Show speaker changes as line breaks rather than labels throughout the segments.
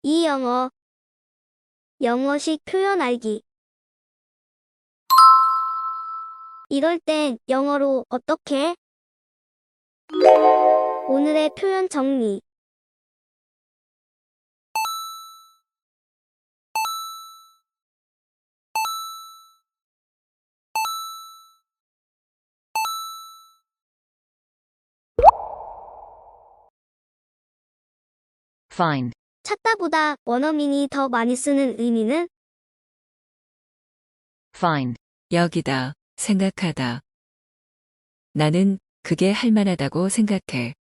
이 영어. 영어식 표현 알기. 이럴 땐 영어로 어떻게? 오늘의 표현 정리.
Find.
찾다보다 원어민이 더 많이 쓰는 의미는?
Find.
여기다, 생각하다. 나는 그게 할 만하다고 생각해.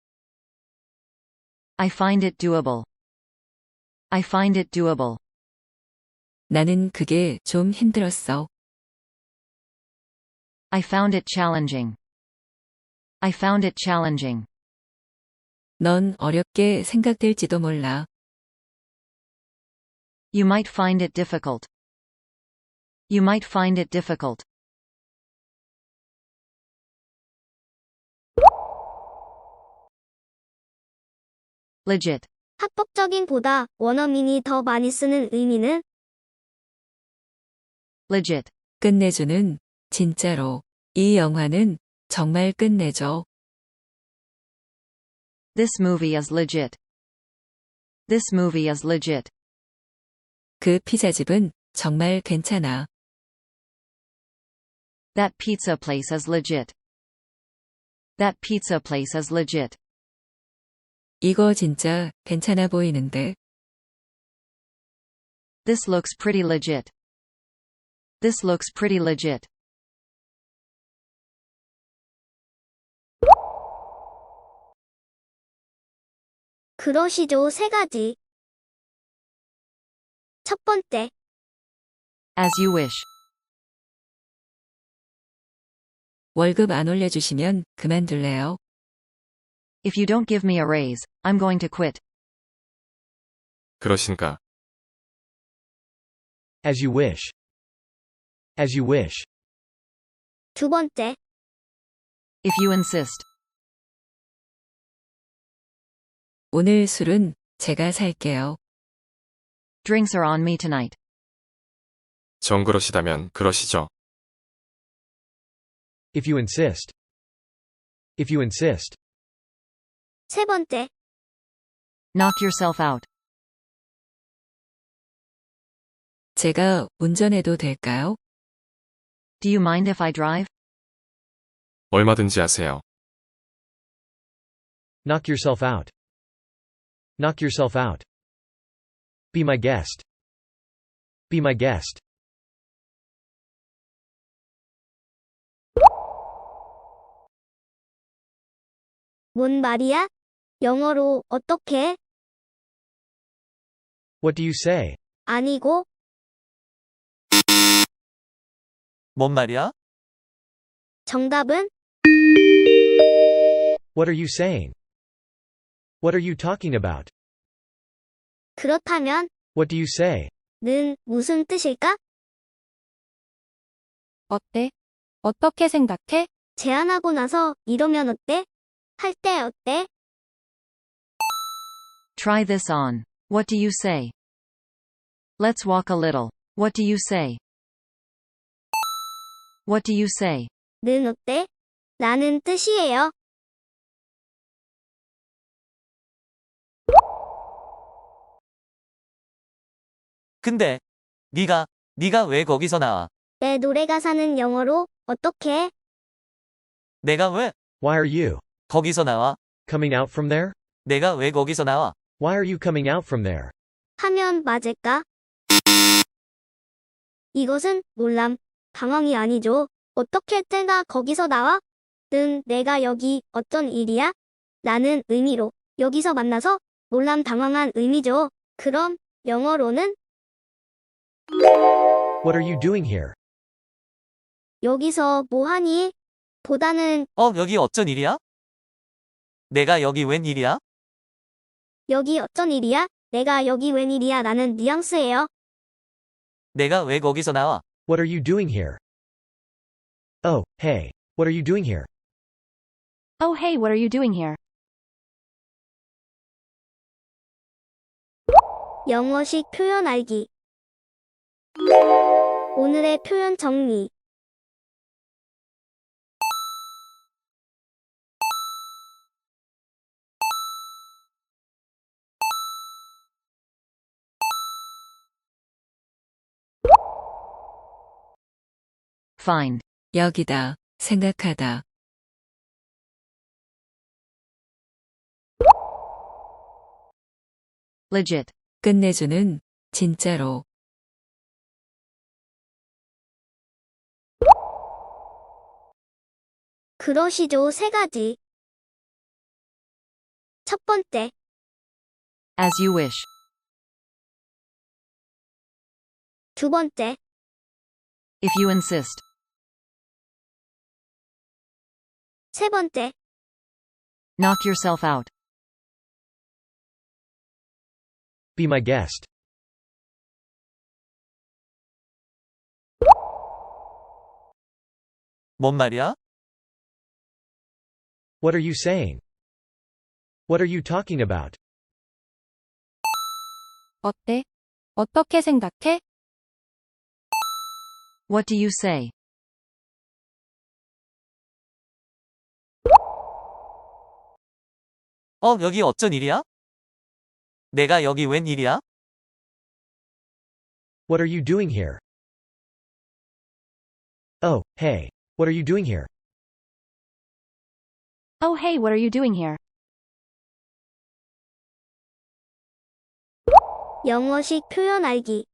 I find it doable. I find it doable.
나는 그게 좀 힘들었어.
I found it challenging. I found it challenging.
넌 어렵게 생각될지도 몰라.
You might find it difficult. You might find it difficult. Legit.
합법적인 보다 원어민이 더 많이 쓰는 의미는?
Legit.
끝내주는, 진짜로. 이 영화는 정말 끝내줘.
This movie is legit. This movie is legit.
그 피자집은 정말 괜찮아.
That pizza place is legit. That pizza place is legit.
이거 진짜 괜찮아 보이는데.
This looks pretty legit. This looks pretty legit.
그러시죠. 세 가지. 첫 번째,
As you wish.
월급 안 올려주시면 그만둘래요.
If you don't give me a raise, I'm going to quit.
그러신가?
As you wish. As you wish.
두 번째,
If you insist.
오늘 술은 제가 살게요.
Drinks are on me tonight.
정 그러시다면 그러시죠.
If you insist. If you insist.
세 번째,
Knock yourself out.
제가 운전해도 될까요?
Do you mind if I drive?
얼마든지 하세요.
Knock yourself out. Knock yourself out. Be my guest. Be my guest.
뭔 말이야? 영어로 어떻게?
What do you say?
아니고,
뭔 말이야?
정답은?
What are you saying? What are you talking about?
그렇다면,
What do you say?
는 무슨 뜻일까?
어때? 어떻게 생각해?
제안하고 나서 이러면 어때? 할 때 어때?
Try this on. What do you say? Let's walk a little. What do you say? What do you say?
는 어때? 라는 뜻이에요.
근데 네가 왜 거기서 나와?
내 노래 가사는 영어로 어떻게?
내가 왜
Why are you
거기서 나와?
coming out from there?
내가 왜 거기서 나와?
Why are you coming out from there?
하면 맞을까? 이것은 놀람, 당황이 아니죠. 어떻게 내가 거기서 나와? 는 내가 여기 어떤 일이야? 라는 의미로 여기서 만나서 놀람 당황한 의미죠. 그럼 영어로는
What are you doing here?
여기서 뭐 하니? 보다는
여기 어쩐 일이야? 내가 여기 웬 일이야?
여기 어쩐 일이야? 내가 여기 웬일이야? 라는 뉘앙스예요.
내가 왜 거기서 나와?
What are you doing here? Oh, hey. What are you doing here?
Oh hey, what are you doing here?
영어식 표현 알기. 오늘의 표현 정리.
Find.
여기다, 생각하다.
Legit.
끝내주는, 진짜로.
그러시죠. 세 가지. 첫 번째,
As you wish.
두 번째,
If you insist.
세 번째,
Knock yourself out.
Be my guest.
뭔 말이야?
What are you saying? What are you talking about?
어때? 어떻게 생각해?
What do you say?
여기 어쩐 일이야? 내가 여기 웬 일이야?
What are you doing here? Oh, hey. What are you doing here?
Oh hey, what are you doing here?
영어식 표현 알기.